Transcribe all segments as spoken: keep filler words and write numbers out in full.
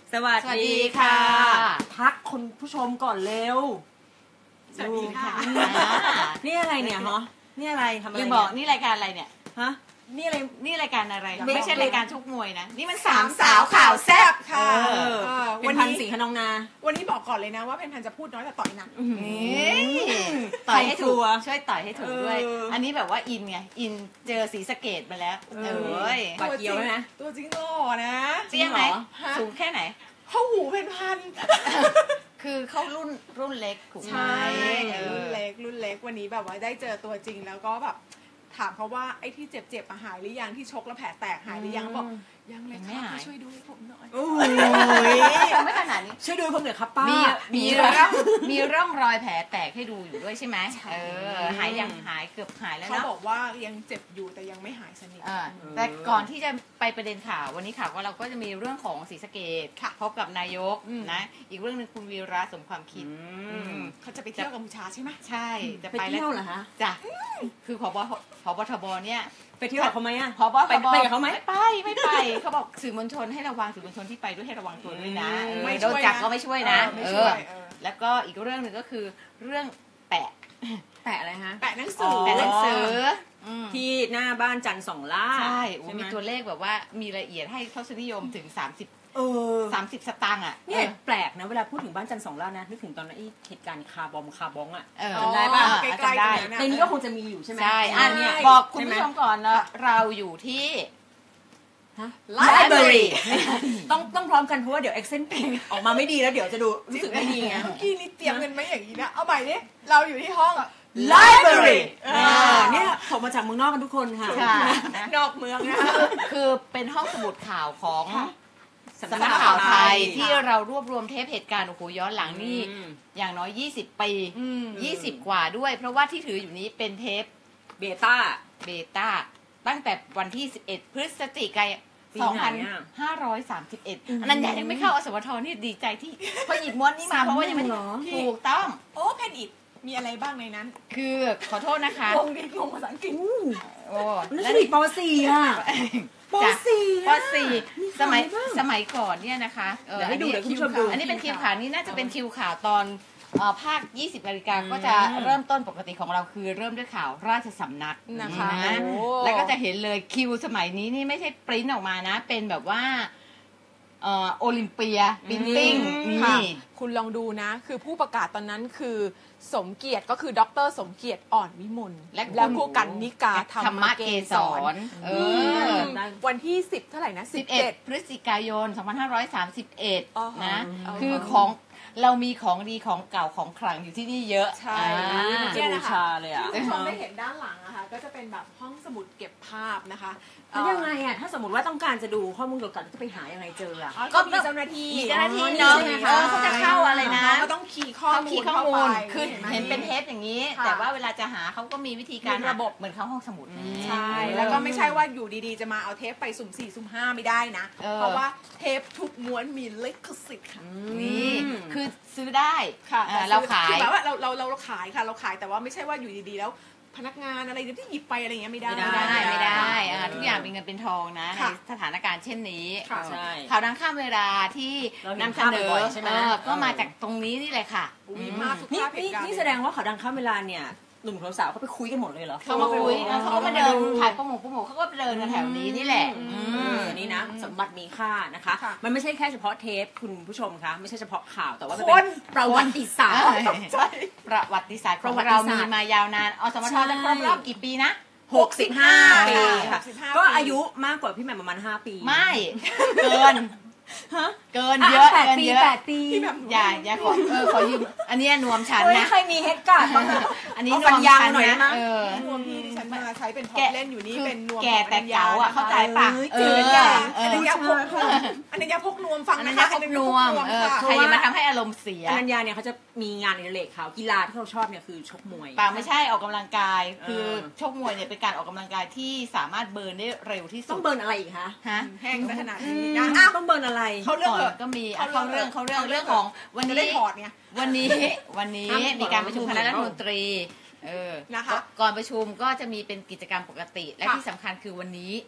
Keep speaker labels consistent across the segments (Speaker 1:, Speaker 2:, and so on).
Speaker 1: สวัสดีค่ะทักคนผู้ชมก่อนเร็ว
Speaker 2: สวัสดีค่ะ
Speaker 1: นี่อะไรเนี่ยฮะนี่อะไรทำอะไร
Speaker 2: ยังบอกนี่รายการอะไรเนี่ย
Speaker 1: ฮะนี่อะไร
Speaker 2: นี่รายการอะไรไม่ใช่รายการชกมวยนะนี่มัน
Speaker 3: สามสาวข่าวแซ่บค่ะ
Speaker 1: วันนี้สีขนองนา
Speaker 3: วันนี้บอกก่อนเลยนะว่าเพนพันจะพูดน้อยแต่ต่อยหนัก
Speaker 2: ต่อยให้ถูกช่วยต่อยให้ถูกด้วยอันนี้แบบว่าอินไงอินเจอสีสะเกตมาแล้วเอ้ย
Speaker 1: ปากเกียวนะ
Speaker 3: ตัวจริงหล่อนะ
Speaker 2: เจี้ยงไหมสูงแค่ไหน
Speaker 3: เขาหูเพนพัน
Speaker 2: คือเขารุ่นรุ่นเล็กถูกไหม
Speaker 3: รุ่นเล็กรุ่นเล็กวันนี้แบบว่าได้เจอตัวจริงแล้วก็แบบถามเขาว่าไอ้ที่เจ็บๆหายหรือยังที่ชกแล้วแผลแตกหายหรือยังบอกยังเลยค่ะช่วยดูผมหน่อย
Speaker 1: โอ้
Speaker 2: ยไม่ขนาดนี้
Speaker 1: ช่วยดูผมหน่อยครับป้า
Speaker 2: มีมีร่องมีร่องรอยแผลแตกให้ดูอยู่ด้วยใช่ไหมเออหายยังหายเกือบหายแล้ว
Speaker 3: เนาะเขาบอกว่ายังเจ็บอยู่แต่ยังไม่หายสนิท
Speaker 2: แต่ก่อนที่จะไปประเด็นข่าววันนี้ข่าวว่าเราก็จะมีเรื่องของศรีสะเกษพบกับนายกนะอีกเรื่องนึงคุณวีระสมความคิด
Speaker 3: เขาจะไปเที่ยวกัมพูชาใช่ไหม
Speaker 2: ใช่
Speaker 1: จะไปแล้วเหรอคะ
Speaker 2: จ้ะคือผบผบทบเนี่ย
Speaker 1: ไปเที่ยวกับเขาไหมอ่ะ
Speaker 2: ผบ
Speaker 1: ไปไปกับเขาไหม
Speaker 2: ไม่ไปไม่ไปเขาบอกสื่อมวลชนให้ระวังสื่อมวลชนที่ไปด้วยให้ระวังตัวด้วยนะโดนจับก็ไม่ช่วยนะเออแล้วก็อีกเรื่องหนึ่งก็คือเรื่องแปะ
Speaker 1: แปะอะไรฮะ
Speaker 3: แปะหนังสือ
Speaker 2: แปะหนังสือ
Speaker 1: ที่หน้าบ้านจันทร์สองล่า
Speaker 2: ใช่มีตัวเลขแบบว่ามีรายละเอียดให้ทศนิยมถึงสามสิบ
Speaker 1: เออ
Speaker 2: สามสิบสตางค์อ่ะ
Speaker 1: เนี่ยแปลกนะเวลาพูดถึงบ้านจันทร์สองล่านะนึกถึงตอนนั้นเหตุการณ์คาร์บอมคาร์บองอ่ะ
Speaker 2: จำได้ป่ะจำได้
Speaker 1: ในนี้ก็คงจะมีอยู่ใช่ไหม
Speaker 2: ใช่อันนี้บอกคุณผู้ชมก่อนนะเราอยู่ที่
Speaker 1: ไลบรารีต้องต้องพร้อมกันเพราะว่าเดี๋ยวเอ็กเซนต์ออกมาไม่ดีแล้วเดี๋ยวจะดูรู้สึกไม่ดีไง
Speaker 3: เมื่อกี้นี่เตรียมกันไหมอย่างนี้นะเอาใหม่ดิเราอยู่ที่ห้อง
Speaker 1: ไลบรารีเนี่ยผมมาจากเมืองนอกกันทุกคนค่ะ
Speaker 3: นอกเมืองนะ
Speaker 2: คือเป็นห้องสมุดข่าวของสำนักข่าวไทยที่เรารวบรวมเทปเหตุการณ์โอ้โหย้อนหลังนี่อย่างน้อยยี่สิบปียี่สิบกว่าด้วยเพราะว่าที่ถืออยู่นี้เป็นเทป
Speaker 1: เบต้า
Speaker 2: เบต้าตั้งแต่วันที่สิบเอ็ดพฤศจิกายนสองพันห้าร้อยสามสิบเอ็ดอันนั้นยังไม่เข้าอสมทนี่ดีใจที่พอหยิบม้วนนี้มาเพราะว่ายังไม่ถูกต้อง
Speaker 3: โอ้เพนอิดมีอะไรบ้างในนั้น
Speaker 2: คือขอโทษนะคะ
Speaker 3: งงดิงงภาษาอังกฤษ
Speaker 1: โอ้แล้วนี่ป.สี่ อ่ะป.สี่
Speaker 2: ป.สี่สมัยสมัยก่อนเนี่ยนะคะ
Speaker 1: เดี๋ยวให้ดูเดี๋ยวคุณผู้ชมดู
Speaker 2: อันนี้เป็นคิวข่าวนี้น่าจะเป็นคิวข่าวตอนภาคยี่สิบนาฬิกาก็จะเริ่มต้นปกติของเราคือเริ่มด้วยข่าวราชสำนัก
Speaker 3: นะคะ
Speaker 2: แล้วก็จะเห็นเลยคิวสมัยนี้นี่ไม่ใช่ปริ้นออกมานะเป็นแบบว่าโอลิมเปียบินติ้งนี่
Speaker 3: คุณลองดูนะคือผู้ประกาศตอนนั้นคือสมเกียรติก็คือดร.สมเกียรติอ่อนวิมลและผู้กันนิกาธรรมเกษรวันที่สิบเท่าไหร่นะ
Speaker 2: สิบเอ็ดพฤศจิกายนสองพันห้าร้อยสามสิบเอ็ดนะคือของเรามีของดีของเก่าของขลังอยู่ที่นี่เยอะ
Speaker 3: ใช่
Speaker 1: เนี่ยนะคะ
Speaker 3: เลยอ่ะที่คุณผู้ชมได้เห็นด้านหลังนะคะก็จะเป็นแบบห้องสมุดเก็บภาพนะคะ
Speaker 1: แล้วยังไงอ่ะถ้าสมมติว่าต้องการจะดูข้อมูลเกี่ยวกับจะไปหายังไงเจออ่ะ
Speaker 3: ก็มีเจ้าหน้าที่
Speaker 2: มีเจ้าหน้าที่เนาะเขาจะเข้าอะไรนะ
Speaker 3: ก็ต้องคีย์ข้อมูล
Speaker 2: เข้าไปคือเห็นเป็นเทปอย่างนี้แต่ว่าเวลาจะหาเขาก็มีวิธีการ
Speaker 3: ระบบ
Speaker 2: เหมือนเข้าห้องสมุด
Speaker 3: ใช่แล้วก็ไม่ใช่ว่าอยู่ดีๆจะมาเอาเทปไปสุ่มสี่สุ่มห้าไม่ได้นะเพราะว่าเทปทุกม้วนมีลิขสิทธิ์ค่ะ
Speaker 2: นี่คือซื้อได้
Speaker 3: ค่ะ
Speaker 2: เราขาย
Speaker 3: คือแบบว่าเราเราเราขายค่ะเราขายแต่ว่าไม่ใช่ว่าอยู่ดีๆแล้วพนักงานอะไรที่หยิบไปอะไรอย่างเงี้ยไม่ได้
Speaker 2: ไม่ได้ไม่ได้ทุกอย่างเป็นเงินเป็นทองนะในสถานการณ์เช่นนี้ข่าวดังข้ามเวลาที่นำเสนอก็มาจากตรงนี้นี่เลยค่ะ
Speaker 1: นี่นี่แสดงว่าข่าวดังข้ามเวลาเนี่ยหนุ่มสาวเขาไปคุยกันหมดเลยเหรอ
Speaker 2: เขามาคุยเขาก็มาเดินถ่ายโปรโมทโปรโมทเขาก็ไปเดินกันแถวนี้นี่แหละ
Speaker 1: นี่นะสมบัติมีค่านะคะมันไม่ใช่แค่เฉพาะเทปคุณผู้ชมคะไม่ใช่เฉพาะข่าวแต่ว่ามันเป็นประวัติศาสตร์
Speaker 2: ประวัติศาสตร์ของเรามีมายาวนานอสมทจะครบรอบกี่ปีนะ
Speaker 1: หกสิบห้าปีค่ะก็อายุมากกว่าพี่แหม่มประมาณห้าปี
Speaker 2: ไม่เกินเกินเยอะ
Speaker 1: เกินเยอะ
Speaker 2: แปดปีอย่าอย่าขอเออขอยืมอันนี้นวมฉันนะ
Speaker 1: ใครมีเฮดการ์ดบ้าง
Speaker 2: อันนี้นวมฉันนะ
Speaker 3: เออนวมที่ดิฉันมาใช้เป็นท็อปเล่นอยู่นี่เป็นนวม
Speaker 2: แก่แต่เก๋าอ่ะเข้าใจป่ะ
Speaker 3: เอออันนี้ยาพกอันนี้ยาพกนวมฟัง
Speaker 2: นะคะอันนี้นวมใครมาทำให้อารมณ์เสีย
Speaker 1: อนัญญาเนี่ยเขาจะมีงานในเลกเขากีฬาที่เขาชอบเนี่ยคือชกมวย
Speaker 2: ป่าไม่ใช่ออกกำลังกายคือชกมวยเนี่ยเป็นการออกกำลังกายที่สามารถเบิร์นได้เร็วที่สุด
Speaker 1: ต้องเบิร์นอะไรอีกคะ
Speaker 2: ฮะ
Speaker 3: แห้งขนาดนี้
Speaker 1: ต้องเบิร์นอะไร
Speaker 3: เขาเรื่อง
Speaker 2: ก็มีเขาเรื่องเขาเรื่องเรื่องของวันนี้
Speaker 3: ได้ถอดเนี่ย
Speaker 2: วันนี้วันนี้มีการประชุมคณะรัฐมนตรีเออ
Speaker 3: นะคะ
Speaker 2: ก่อนประชุมก็จะมีเป็นกิจกรรมปกติและที่สำคัญคือวันนี้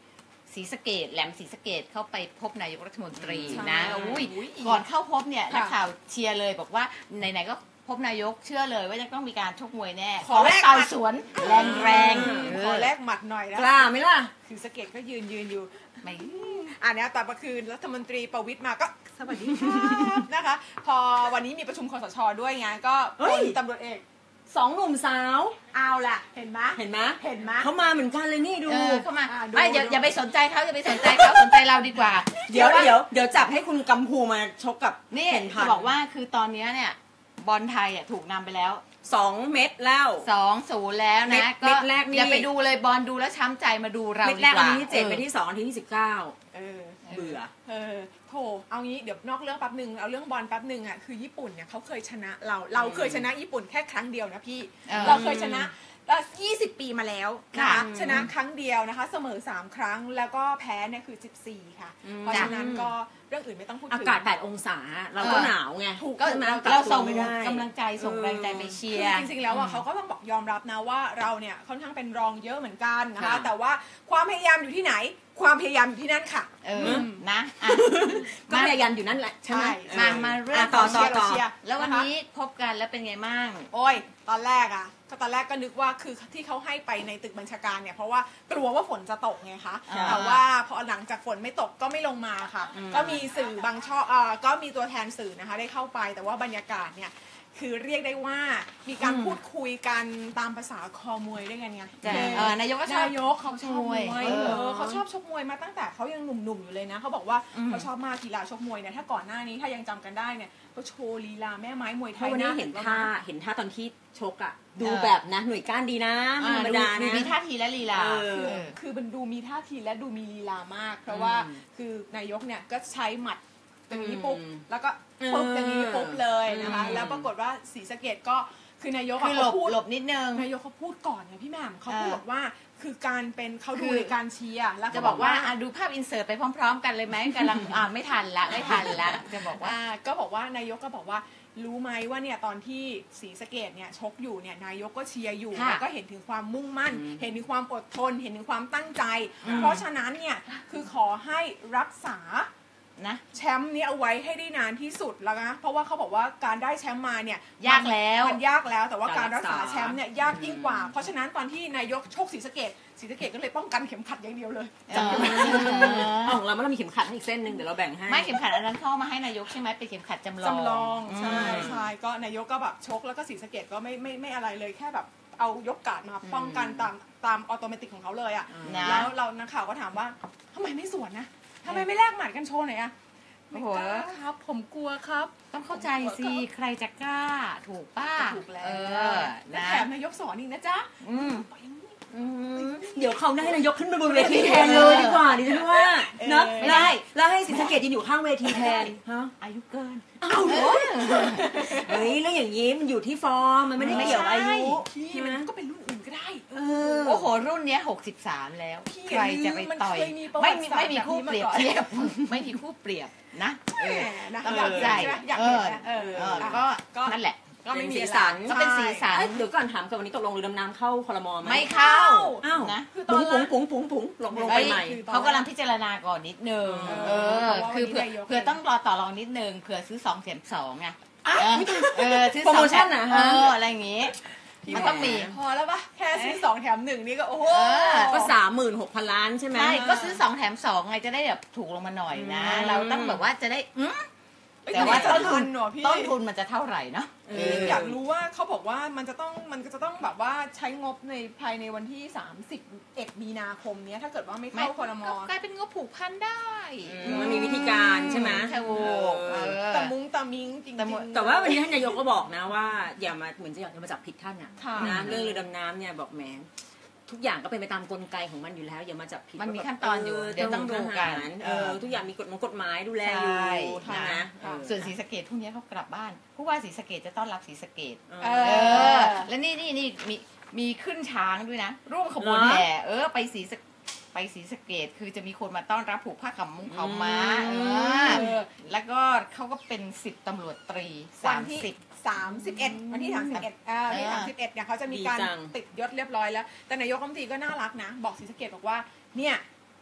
Speaker 2: ศรีสะเกษแหลมศรีสะเกษเข้าไปพบนายกรัฐมนตรี
Speaker 3: ใช่
Speaker 2: นะอุ้ยก่อนเข้าพบเนี่ย
Speaker 3: ค่ะ
Speaker 2: นักข่าวเชียร์เลยบอกว่าไหนๆก็พบนายกเชื่อเลยว่าจะต้องมีการชกมวยแน่
Speaker 3: ขอแลก
Speaker 2: เต่าสวนแรงๆ
Speaker 3: ขอแลกหมัดหน่อยนะ
Speaker 1: กล้าไหมล่ะ
Speaker 3: คือสะเก็ตก็ยืนยืนอยู่
Speaker 2: ไม่
Speaker 3: อ่านี้ต่อมาคืนรัฐมนตรีประวิตรมาก็สวัสดีครับนะคะ พอวันนี้มีประชุมคสชด้วยไงก็
Speaker 1: เฮ้
Speaker 3: พ
Speaker 1: ย
Speaker 3: ลตำรวจเอก
Speaker 1: สองหนุ่มสาว
Speaker 3: เอาล่ะเห็นไหม
Speaker 1: เห็นไหม
Speaker 3: เห็นไหม
Speaker 1: เขามาเหมือนกันเลยนี่ดู
Speaker 2: เออเข้ามา
Speaker 3: อ่าดู
Speaker 2: ไม่อย่า
Speaker 3: ดู
Speaker 2: อย่าไปสนใจเขาอย่าไปสนใจเขาสนใจเราดีกว่า
Speaker 1: เดี๋ยวเดี๋ยวเดี๋ยวจับให้คุณกัมพูมาชกกับ
Speaker 2: นี่
Speaker 1: เห็นพั
Speaker 2: จะ
Speaker 1: น
Speaker 2: บอกว่าคือตอนนี้เนี่ยบอลไทยอ่ะถูกนำไปแล้ว
Speaker 1: สองเม็ดแล้ว
Speaker 2: สองศูนย์แล้ว
Speaker 1: เม็ด
Speaker 2: นะ
Speaker 1: เม็ดแรกนี่
Speaker 2: อย่าไปดูเลยบอลดูแล้วช้ำใจมาดูเรา
Speaker 1: เม็ด
Speaker 2: ดี
Speaker 1: แรก
Speaker 2: ก
Speaker 1: อั
Speaker 2: ว่าน
Speaker 1: ที่เจ็ด
Speaker 2: ออ
Speaker 1: เม็ดที่สองอันที่สิบเก้า
Speaker 3: เออ
Speaker 1: เบื่อ
Speaker 3: เออโถเอางี้เดี๋ยวนอกเรื่องแป๊บหนึ่งเอาเรื่องบอลแป๊บหนึ่งอ่ะคือญี่ปุ่นเนี่ยเขาเคยชนะเราเราเคยชนะญี่ปุ่นแค่ครั้งเดียวนะพี่
Speaker 2: เออ
Speaker 3: เราเคยชนะยี่สิบปีมาแล้วนะ
Speaker 2: ค่ะ
Speaker 3: คะชนะครั้งเดียวนะคะเสมอสามครั้งแล้วก็แพ้เนี่ยคือสิบสี่ค่ะ เพราะฉะนั้นก็เรื่องอื่นไม่ต้องพูดถึง
Speaker 1: อากาศแปดองศาเราก็หนาวไง
Speaker 3: ถูก
Speaker 2: ก็
Speaker 1: ใช่ไหม
Speaker 2: เราส่ง
Speaker 1: ไม่ได้
Speaker 2: กำลังใจส่งแรงใจไปเชียร์
Speaker 3: จริงๆแล้วอ่ะเขาก็ต้องบอกยอมรับนะว่าเราเนี่ยค่อนข้างเป็นรองเยอะเหมือนกันนะคะ
Speaker 1: ค่ะ
Speaker 3: แต่ว่าความพยายามอยู่ที่ไหน ความพยายามอยู่ที่นั่นค่ะ
Speaker 2: เออนะอ่ะ
Speaker 1: ก็พยายามอยู่นั่นแหละใช่ไหม
Speaker 3: ใช่
Speaker 2: มามาเรื่อง
Speaker 1: ะต่อ
Speaker 2: ข
Speaker 1: ต่อ
Speaker 2: เชียร์
Speaker 1: ต่อ
Speaker 3: เชียร์
Speaker 2: แล้ววันนี้พบกันแล้วเป็นไงบ้าง
Speaker 3: โอ้ยตอนแรกอ่ะก็ตอนแรกก็นึกว่าคือที่เขาให้ไปในตึกบัญชาการเนี่ยเพราะว่ากลัวว่าฝนจะตกไงคะ
Speaker 2: อ่า
Speaker 3: แต่ว่าพอหลังจากฝนไม่ตกก็ไม่ลงมาค่ะ ก็มีสื่อบางช่องเอ่อก็มีตัวแทนสื่อนะคะได้เข้าไปแต่ว่าบรรยากาศเนี่ยคือเรียกได้ว่ามีการพูดคุยกันตามภาษาคอมวยด้วยกันไง
Speaker 2: แต่เออนายกก็ชอบ
Speaker 3: นายกเขาชอบมวย
Speaker 2: ชอบมวย
Speaker 3: เอ
Speaker 2: เออ
Speaker 3: อเขาชอบชกมวยมาตั้งแต่เขายังหนุ่มๆอยู่เลยนะเขาบอกว่า
Speaker 2: อืม
Speaker 3: เขาชอบมากกีฬาชกมวยเนี่ยถ้าก่อนหน้านี้ถ้ายังจำกันได้เนี่ยเขาโชว์ลีลาแม่ไม้มวยไท
Speaker 1: เพราะ
Speaker 3: ย
Speaker 1: วันนี้
Speaker 3: า
Speaker 1: เห็น
Speaker 3: แล้ว
Speaker 1: ท่า
Speaker 3: นะ
Speaker 1: เห็นท่าตอนที่ชกอ่ะ ดู
Speaker 2: เออ
Speaker 1: แบบนะหน่วยก้านดีนะไม่
Speaker 2: อ่า
Speaker 1: ธรรม
Speaker 2: ดู
Speaker 1: ดา
Speaker 2: ดู
Speaker 1: นะ
Speaker 2: มีท่าทีและลีลา
Speaker 1: เออ
Speaker 2: เออ
Speaker 3: คือมันดูมีท่าทีและดูมีลีลามาก เพราะว่า
Speaker 1: อืม
Speaker 3: คือนายกเนี่ยก็ใช้หมัดอย่างนี้ปุ๊บ
Speaker 1: อืม
Speaker 3: แล้วก็ปุ๊บ
Speaker 1: เออ
Speaker 3: อย่างนี้ปุ๊บเลยนะคะ
Speaker 1: อืม
Speaker 3: แล้วปรากฏว่าศรีสะเกษก็คือนายกอะ
Speaker 2: คือหล
Speaker 3: เขา
Speaker 2: บ
Speaker 3: พูด
Speaker 2: หลบนิดนึง
Speaker 3: นายกเขาพูดก่อนไงพี่แหม่มเขาพูด
Speaker 2: เออ
Speaker 3: บอกว่าคือการเป็นเขา
Speaker 2: คื
Speaker 3: ดู
Speaker 2: อ
Speaker 3: ในการเชียร์แล้ว
Speaker 2: จะ
Speaker 3: เข
Speaker 2: บอกว่าอ่ะดูภาพอินเสิร์ตไปพร้อม ๆ กันเลยไหมกำลังอ่าไม่ทันละไม่ทันละจะบอกว่า
Speaker 3: อ่าก็บอกว่านายกก็บอกว่ารู้ไหมว่าเนี่ยตอนที่ศรีสะเกษเนี่ยชกอยู่เนี่ยนายกก็เชียร์อยู่
Speaker 2: ค่ะ
Speaker 3: แล้วก็เห็นถึงความมุ่งมั่น
Speaker 1: อืม
Speaker 3: เห็นถึงความอดทน เห็นถึงความตั้งใจ
Speaker 2: อืม
Speaker 3: เพราะฉะนั้นเนี่ยคือขอให้รักษา
Speaker 2: นะ
Speaker 3: แชมป์นี้เอาไว้ให้ได้นานที่สุดแล้วนะเพราะว่าเขาบอกว่าการได้แชมป์มาเนี่ย
Speaker 2: ยากแล้ว
Speaker 3: มันยากแล้วแต่ว่าการ
Speaker 1: การรั
Speaker 3: รัก
Speaker 1: ก
Speaker 3: ษา
Speaker 1: ษา
Speaker 3: แชมป์เนี่ยยากยิ่งกว่า เพราะฉะนั้นตอนที่นายกชกศรีสะเกษศรีสะเกษก็เลยป้องกันเข็มขัดอย่างเดียวเลย
Speaker 2: เออ
Speaker 1: ของเราเรามีเข็มขัดให้อีกเส้นหนึ่งเดี๋ยวเราแบ่งให้
Speaker 2: ไม่เข็มขัดอันนั้นเข้ามาให้นายกใช่ไหมเป็นเข็มขัดจำลอง
Speaker 3: จำลองใช่
Speaker 2: อืม
Speaker 3: ใช่ก็นายกก็แบบชกแล้วก็ศรีสะเกษก็ไม่ไม่ไม่อะไรเลยแค่แบบเอายกการ์ดมาป้องกันตามตามออโตเมติกของเขาเลยอ่ะ
Speaker 2: นะ
Speaker 3: แล้วเรานักข่าวก็ถามว่าทำไมไม่สวนนะทำไมไม่แลกหมัดกันโชว์หน่อยอะ
Speaker 2: โอ้
Speaker 3: ไม่
Speaker 2: โห
Speaker 3: กล้าครับ ผมกลัวครับ
Speaker 2: ต้องเข้าใจสิใครจะกล้าถูกป้า
Speaker 3: ถูกแล้ว
Speaker 2: เออ
Speaker 3: และ
Speaker 2: นะ
Speaker 3: แถมนายกสอนอีกนะจ๊ะ
Speaker 2: อืม
Speaker 3: ปล่อยอย่างนี้
Speaker 2: อืม
Speaker 1: เดี๋ยวเขาได้นายกขึ้นไปบนเวทีแทนเลยดีกว่าดิฉันว่าเนอะ
Speaker 2: ไม่
Speaker 1: แล้ว
Speaker 2: ได้
Speaker 1: แล้วให้ศรีสะเกษยืนอยู่ข้างเวทีแทนฮะ
Speaker 2: อายุเกิน
Speaker 1: อ้าวเหรอเฮ้ยเรื่องอย่างนี้มันอยู่ที่ฟอร์มมันไม่ได้เกี่ยวกับอายุ
Speaker 3: พี่
Speaker 1: ใช่ไหม
Speaker 3: มันก็เป็นรุ่นอื่นก็ได้
Speaker 1: เออ
Speaker 2: โอ้โห รุ่นเนี้ยหกสิบสามแล้ว
Speaker 3: พี่
Speaker 2: ใครจะไปต่อย
Speaker 3: มันเคยมีประวั
Speaker 2: ไม่
Speaker 3: ติ
Speaker 2: มี
Speaker 3: ศาสตร์
Speaker 2: ไม่มีคู่
Speaker 3: แบบ
Speaker 2: เป
Speaker 3: นี้
Speaker 2: รียบ
Speaker 3: มาก่อน
Speaker 2: เทียบ ไม่มีคู่เปรียบนะเอ
Speaker 3: แห
Speaker 2: อ
Speaker 3: มนะ
Speaker 2: ต้อง
Speaker 3: อยาก
Speaker 2: ใจ
Speaker 3: เห็นนะอยากเห็นนะเออ
Speaker 2: เออ
Speaker 3: อ่ะ
Speaker 2: ก็
Speaker 3: ก็
Speaker 2: นั่นแหละ
Speaker 3: ก็ไม่มี
Speaker 1: เป็นสี
Speaker 3: อะไร
Speaker 1: สัน
Speaker 2: ก็เป็นสีสัน
Speaker 1: เอ้ยเดี๋ยวก่อนถามกับวันนี้ตกลงเรือดำน้ำเข้าคลมไหม
Speaker 2: ไม่เข้า
Speaker 1: อ้าว
Speaker 2: นะ
Speaker 3: คือตอ
Speaker 1: ปุ๋
Speaker 3: น
Speaker 1: ง
Speaker 3: แร
Speaker 1: ปุ๋ง
Speaker 3: ก
Speaker 1: ปุ๋งปุ๋งปุ๋งลงลง
Speaker 2: เอ้
Speaker 1: ไป
Speaker 2: ย
Speaker 1: ใหม่
Speaker 2: เขากำลังพิจารณาก่อนนิดนึง
Speaker 3: เออ
Speaker 2: เออ
Speaker 3: เพราะว่า
Speaker 2: คือเผื่อ
Speaker 3: วันนี้นายก
Speaker 2: เผื่อต้องรอต่อรองนิดนึงเผื่อซื้อสองแถมสองไงเออเออซื้อ
Speaker 1: โปร
Speaker 2: สอ
Speaker 1: โม
Speaker 2: งแถ
Speaker 1: ชั่น
Speaker 2: ม
Speaker 1: นะ
Speaker 2: เอ
Speaker 1: ฮะ
Speaker 2: ออะไรอย่างงี้ มันต้องมี
Speaker 3: พอแล้วปะแค่ซื้อสองแถมหนึ่งนี่ก็โอ้โห
Speaker 2: เออ
Speaker 1: ก็สามหมื่นหกพันล้านใช่ไหม
Speaker 2: ใช่ก็ซื้อสองแถมสองไงจะได้แบบถูกลงมาหน่อยนะ
Speaker 1: อืม
Speaker 2: เราต้องแบบว่าจะได้อืม
Speaker 3: เอ้ย
Speaker 2: แต่ว่า
Speaker 3: แต่
Speaker 2: ต้
Speaker 3: ต้
Speaker 2: น
Speaker 3: น
Speaker 2: ทุ
Speaker 3: ทุ
Speaker 2: น
Speaker 3: นหนอพี่
Speaker 2: ต้นทุนมันจะเท่าไหร่เนาะ
Speaker 1: เอ
Speaker 3: พี่
Speaker 1: อ
Speaker 3: อยากรู้ว่าเขาบอกว่ามันจะต้องมันจะต้องแบบว่าใช้งบในภายในวันที่สามสิบเอ็ดมีนาคมเนี้ยถ้าเกิดว่าไม่เข้าคอรม
Speaker 2: ก็กลายเป็นงบผูกพันได้
Speaker 1: อืมมันมีวิธีการใช่ไหม
Speaker 2: ถูก
Speaker 1: เออ
Speaker 2: เออ
Speaker 3: แต่มุ้งตะมิงจริง
Speaker 2: แต่หมด
Speaker 3: ๆ
Speaker 1: แต่ว่าวันนี้ท่านนายกก็บอกนะว่าอย่ามาเหมือนจะอยากจะมาจับผิดท่านอ่ะ
Speaker 3: ค่ะ
Speaker 1: นะเรื่องเรือดำน้ำเนี่ยบอกแหมทุกอย่างก็เป็นไปตามกลไกของมันอยู่แล้ว อย่ามาจับผิด
Speaker 2: มันมี
Speaker 1: ว่าแบบ
Speaker 2: ขั้นตอนอยู่เดี๋ยวต้องดูกัน
Speaker 1: เออทุกอย่างมีกฎหมายกฎหมายดูแลอยู่
Speaker 2: ใช่
Speaker 1: ใช่ไหม
Speaker 2: นะ
Speaker 1: เออ
Speaker 2: ส่วนศรีสะเกดพรุ่งนี้เขากลับบ้านผู้ว่าศรีสะเกดจะต้อนรับศรีสะเกด
Speaker 1: เอ
Speaker 3: เอ
Speaker 1: อ
Speaker 2: เอ
Speaker 3: อ
Speaker 2: อ แล้วนี่นี่นี่มีมีขึ้นช้างด้วยนะ ร่วมขบวน
Speaker 1: เหรอ
Speaker 2: แห่เออ ไปศรีสะไปศรีสะเกดคือจะมีคนมาต้อนรับผูกผ้าขาวมุ้งขาวม้า
Speaker 1: อื
Speaker 2: เอ
Speaker 1: ม
Speaker 2: อ แล้วก็เขาก็เป็นสิบตำรวจตรี
Speaker 3: วั
Speaker 2: สาน ม
Speaker 3: ที่
Speaker 2: สิบ
Speaker 3: สามสิบเอ็ดวันที่สามสิบเอ็ดอ่าวันที่
Speaker 2: เออ
Speaker 3: สามสิบเอ็ดเนี่ยเขาจะมีการ
Speaker 1: ดีจัง
Speaker 3: ติดยศเรียบร้อยแล้ว แต่นายกรัฐมนตรีก็น่ารักนะ บอกศรีสะเกษบอกว่าเนี่ย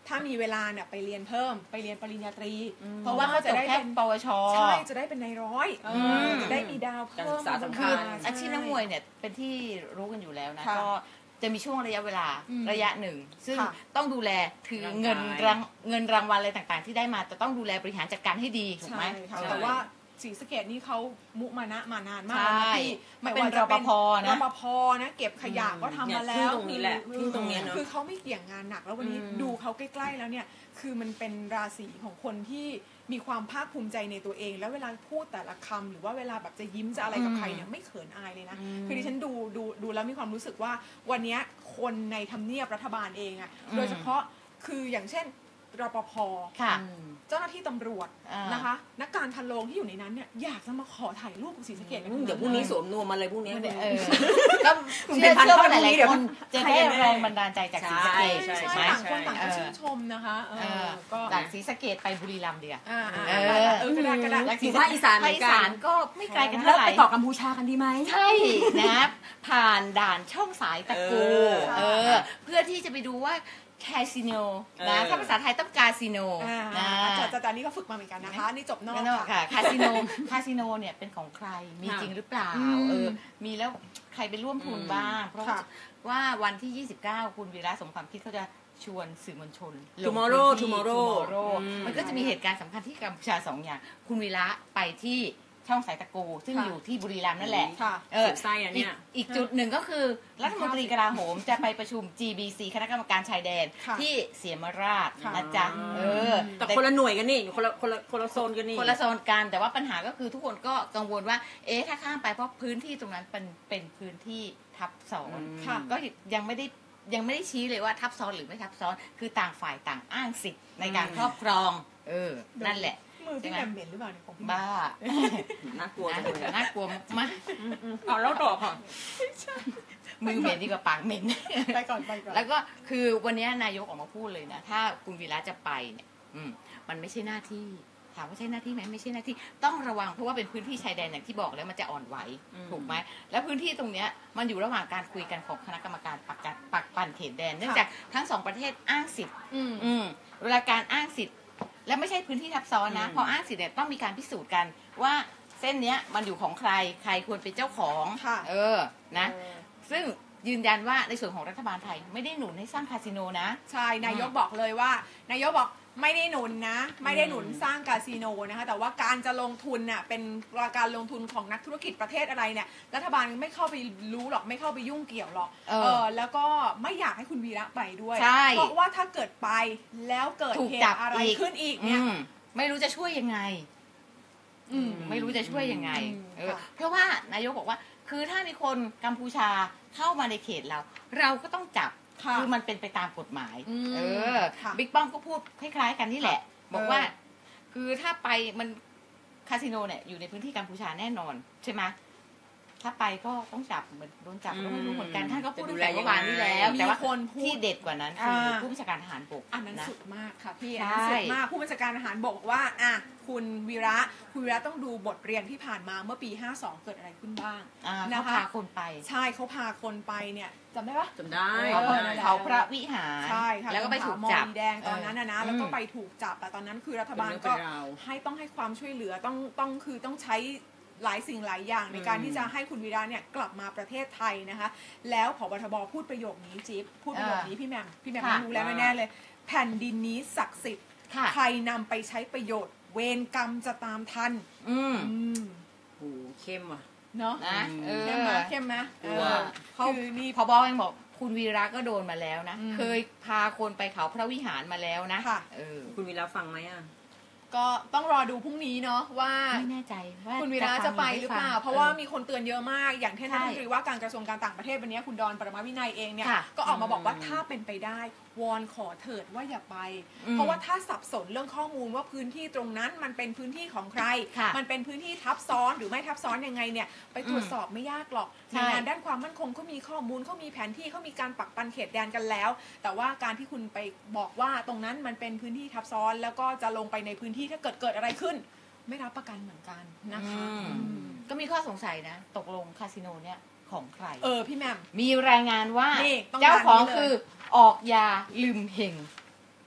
Speaker 3: ถ้ามีเวลาเนี่ยไปเรียนเพิ่มไปเรียนปริญญาตรี
Speaker 2: เพราะว่าเขาจะได้แค่ปวช
Speaker 3: ใช่จะได้เป็นนายร้อยจะได้มีดาวเพิ่ม
Speaker 2: คืออาชีพนักมวยเนี่ยเป็นที่รู้กันอยู่แล้วนะก็จะมีช่วงระยะเวลาระยะหนึ่งซึ่งต้องดูแลคือเงินรางเงินรางวัลอะไรต่างๆที่ได้มาจะต้องดูแลบริหารจัดการให้ดีถูกไหม
Speaker 3: แต่ว่าศรีสะเกษนี่เขามุมานะมานานมาก
Speaker 2: นะ
Speaker 3: พี่
Speaker 2: ไม่เป็นรปภนะ
Speaker 3: รปภนะเก็บขยะก็ทำมาแล้ว
Speaker 1: ตรงนี้แหละที่ตรงนี้เนาะ
Speaker 3: คือเขาไม่เกี่ยงงานหนักแล้ววันนี้ดูเขาใกล้ๆแล้วเนี่ยคือมันเป็นราศีของคนที่มีความภาคภูมิใจในตัวเองแล้วเวลาพูดแต่ละคำหรือว่าเวลาแบบจะยิ้มจะอะไรกับใครเนี่ยไม่เขินอายเลยนะคือดิฉันดูดูดูแล้วมีความรู้สึกว่าวันนี้คนในทำเนียบรัฐบาลเองอะโดยเฉพาะคืออย่างเช่นรปภเจ้าหน้าที่ตำรวจนะคะนักการทันโรงที่อยู่ในนั้นเนี่ยอยากจะมาขอถ่ายรูปกับศรีสะเกษ
Speaker 1: เดี๋ยวพรุ่งนี้สวมนวมมาเลยพรุ่งนี้
Speaker 2: ก็เชื่อเชื่อว่าหลายๆคนจะได้แรงบันดาลใจจากศรีสะเกษ
Speaker 3: ใช่ไหมต่างคนต่างก็ชื่นชมนะคะ
Speaker 2: ก็จากศรีสะเกษไปบุรีรัมย์เดียว
Speaker 3: เออเออกระดาษกระดาษ
Speaker 1: อยู่ภาคอีสานเหมือนกัน
Speaker 2: ก็ไม่ไกลกันเท่าไหร่
Speaker 1: ไปต่อกัมพูชากันดีไหม
Speaker 2: ใช่นะผ่านด่านช่องสายตะกูเออเพื่อที่จะไปดูว่าคาสิโนนะถ้าภาษาไทยต้องคาสิโน
Speaker 3: นะแต่ตอนนี้ก็ฝึกมาเหมือนกันนะคะนี่จบนอก
Speaker 2: ค่ะคาสิโนคาสิโนเนี่ยเป็นของใครมีจริงหรือเปล่าเออมีแล้วใครไปร่วมทุนบ้างเพราะว่าวันที่ยี่สิบเก้าคุณวีระสมความคิดเขาจะชวนสื่อมวลชน
Speaker 1: tomorrow tomorrow
Speaker 2: มันก็จะมีเหตุการณ์สำคัญที่กัมพูชาสองอย่างคุณวีระไปที่ช่องสายตะกูซึ่งอยู่ที่บุรีรัมย์นั่นแหละ
Speaker 1: เออไส้อันเนี้ย
Speaker 2: อีกจุดหนึ่งก็คือรัฐมนตรีกลาโหมจะไปประชุม จี บี ซี คณะกรรมการชายแดนที่เสียมราชนะจ๊ะเออ
Speaker 1: แต่คนละหน่วยกันนี่คนละคนละคนละโซนกันนี่
Speaker 2: คนละโซนกันแต่ว่าปัญหาก็คือทุกคนก็กังวลว่าเอ๊ะถ้าข้ามไปเพราะพื้นที่ตรงนั้นเป็นเป็นพื้นที่ทับซ้อนก็ยังไม่ได้ยังไม่ได้ชี้เลยว่าทับซ้อนหรือไม่ทับซ้อนคือต่างฝ่ายต่างอ้างสิทธิ์ในการครอบครองเออนั่นแหละ
Speaker 3: มือพี่แหม่มเหม็นหรือเปล่าเนี่ยของพี่
Speaker 2: บ้า
Speaker 1: น่ากลัว
Speaker 2: น่ากลัวมาก
Speaker 1: เอาแล้วต่อค่ะ
Speaker 2: มือเหม็นดีกว่าปากเหม็น
Speaker 3: ไปก่อนไปก่อน
Speaker 2: แล้วก็คือวันนี้นายกออกมาพูดเลยนะถ้าคุณวีระจะไปเนี่ยมันไม่ใช่หน้าที่ถามว่าใช่หน้าที่ไหมไม่ใช่หน้าที่ต้องระวังเพราะว่าเป็นพื้นที่ชายแดนอย่างที่บอกแล้วมันจะอ่อนไหวถูกไหมแล้วพื้นที่ตรงเนี้ยมันอยู่ระหว่างการคุยกันของคณะกรรมการปักกันปักปั่นเขตแดนเนื่องจากทั้งสองประเทศอ้างสิทธิ์เวลาการอ้างสิทธิ์และไม่ใช่พื้นที่ทับซ้อนนะพออ้างสิทธิ์เนี่ยต้องมีการพิสูจน์กันว่าเส้นเนี้ยมันอยู่ของใครใครควรเป็นเจ้าของเออนะซึ่งยืนยันว่าในส่วนของรัฐบาลไทยไม่ได้หนุนให้สร้างคาสิโนนะ
Speaker 3: ใช่นายกบอกเลยว่านายกบอกไม่ได้หนุนนะไม่ได้หนุนสร้างคาสิโนนะคะแต่ว่าการจะลงทุนน่ะเป็นการลงทุนของนักธุรกิจประเทศอะไรเนี่ยรัฐบาลไม่เข้าไปรู้หรอกไม่เข้าไปยุ่งเกี่ยวหรอกเออแล้วก็ไม่อยากให้คุณวีระไปด้วยเพราะว่าถ้าเกิดไปแล้วเกิดเหตุอะไรขึ้นอีกเนี่ย
Speaker 2: ไม่รู้จะช่วยยังไงไม่รู้จะช่วยยังไงเออเพราะว่านายกบอกว่าคือถ้ามีคนกัมพูชาเข้ามาในเขตเราเราก็ต้องจับคือมันเป็นไปตามกฎหมายเออบิ๊กป้อมก็พูดคล้ายๆกันนี่แหละบอกว่าคือถ้าไปมันคาสิโนเนี่ยอยู่ในพื้นที่กัมพูชาแน่นอนใช่ไหมถ้าไปก็ต้องจับเหมือนโดนจับก็ไม่รู้เหมือนกันท่านก็พูดตั้งแต่เมื่อวานนี้แล้วแต่ว่าที่เด็ดกว่านั้นคือผู้บัญชาการทหารบก
Speaker 3: อันนั้นสุดมากค่ะพี่อันนั้นสุดมากผู้บัญชาการทหารบกบอกว่าอ่ะคุณวีระคุณวีระต้องดูบทเรียนที่ผ่านมาเมื่อปีห้าสองเกิดอะไรขึ้นบ้าง
Speaker 2: นะคะเขาพาคนไป
Speaker 3: ใช่เขาพาคนไปเนี่ยจำได้ปะ
Speaker 1: จำได้
Speaker 2: เขาพระวิหาร
Speaker 3: ใช่ค่ะ
Speaker 2: แล้วก็ไปถูกจับ
Speaker 3: แดงตอนนั้นนะนะแล้วก็ไปถูกจับแต่ตอนนั้นคือรัฐบาลก็ให้ต้องให้ความช่วยเหลือต้องต้องคือต้องใช้หลายสิ่งหลายอย่างในการที่จะให้คุณวีระเนี่ยกลับมาประเทศไทยนะคะแล้วผบ.ทบ.พูดประโยคนี้จิ๊บพูดประโยคนี้พี่แหม่มพี่แหม่มรู้แล้วแน่ๆเลยแผ่นดินนี้ศักดิ์สิทธิ์ใครนำไปใช้ประโยชน์เวรกรรมจะตามทัน
Speaker 2: อืม
Speaker 1: โอ้เข้มว่ะ
Speaker 3: เนาะ
Speaker 2: นะ
Speaker 3: เข้มไหมเข้มไหม
Speaker 2: คือนี่พบยังบอกคุณวีระก็โดนมาแล้วนะเคยพาคนไปเขาพระวิหารมาแล้วนะ
Speaker 3: เออ
Speaker 1: คุณวีระฟังไหมอ่ะ
Speaker 3: ก็ต้องรอดูพรุ่งนี้เนาะว่า
Speaker 2: ไม่แน่ใจว่า
Speaker 3: คุณวีระจะไปหรือเปล่าเพราะว่ามีคนเตือนเยอะมากอย่างที่ท่านรัฐมนตรีว่าการกระทรวงการต่างประเทศวันนี้คุณดอนปรมาวินัยเองเนี่ยก็ออกมาบอกว่าถ้าเป็นไปได้วอนขอเถิดว่าอย่าไปเพราะว่าถ้าสับสนเรื่องข้อมูลว่าพื้นที่ตรงนั้นมันเป็นพื้นที่ของใครมันเป็นพื้นที่ทับซ้อนหรือไม่ทับซ้อนยังไงเนี่ยไปตรวจสอบไม่ยากหรอกหน่วยงานด้านความมั่นคงเขามีข้อมูลเขามีแผนที่เขามีการปักปันเขตแดนกันแล้วแต่ว่าการที่คุณไปบอกว่าตรงนั้นมันเป็นพื้นที่ทับซ้อนแล้วก็จะลงไปในพื้นที่ถ้าเกิดเกิดอะไรขึ้นไม่รับประกันเหมือนกันนะคะ
Speaker 2: ก็มีข้อสงสัยนะตกลงคาสิโนเนี่ยของใคร
Speaker 3: เออพี่แหม่ม
Speaker 2: มีรายงานว่าเจ้าของคือออกยาลืมเฮง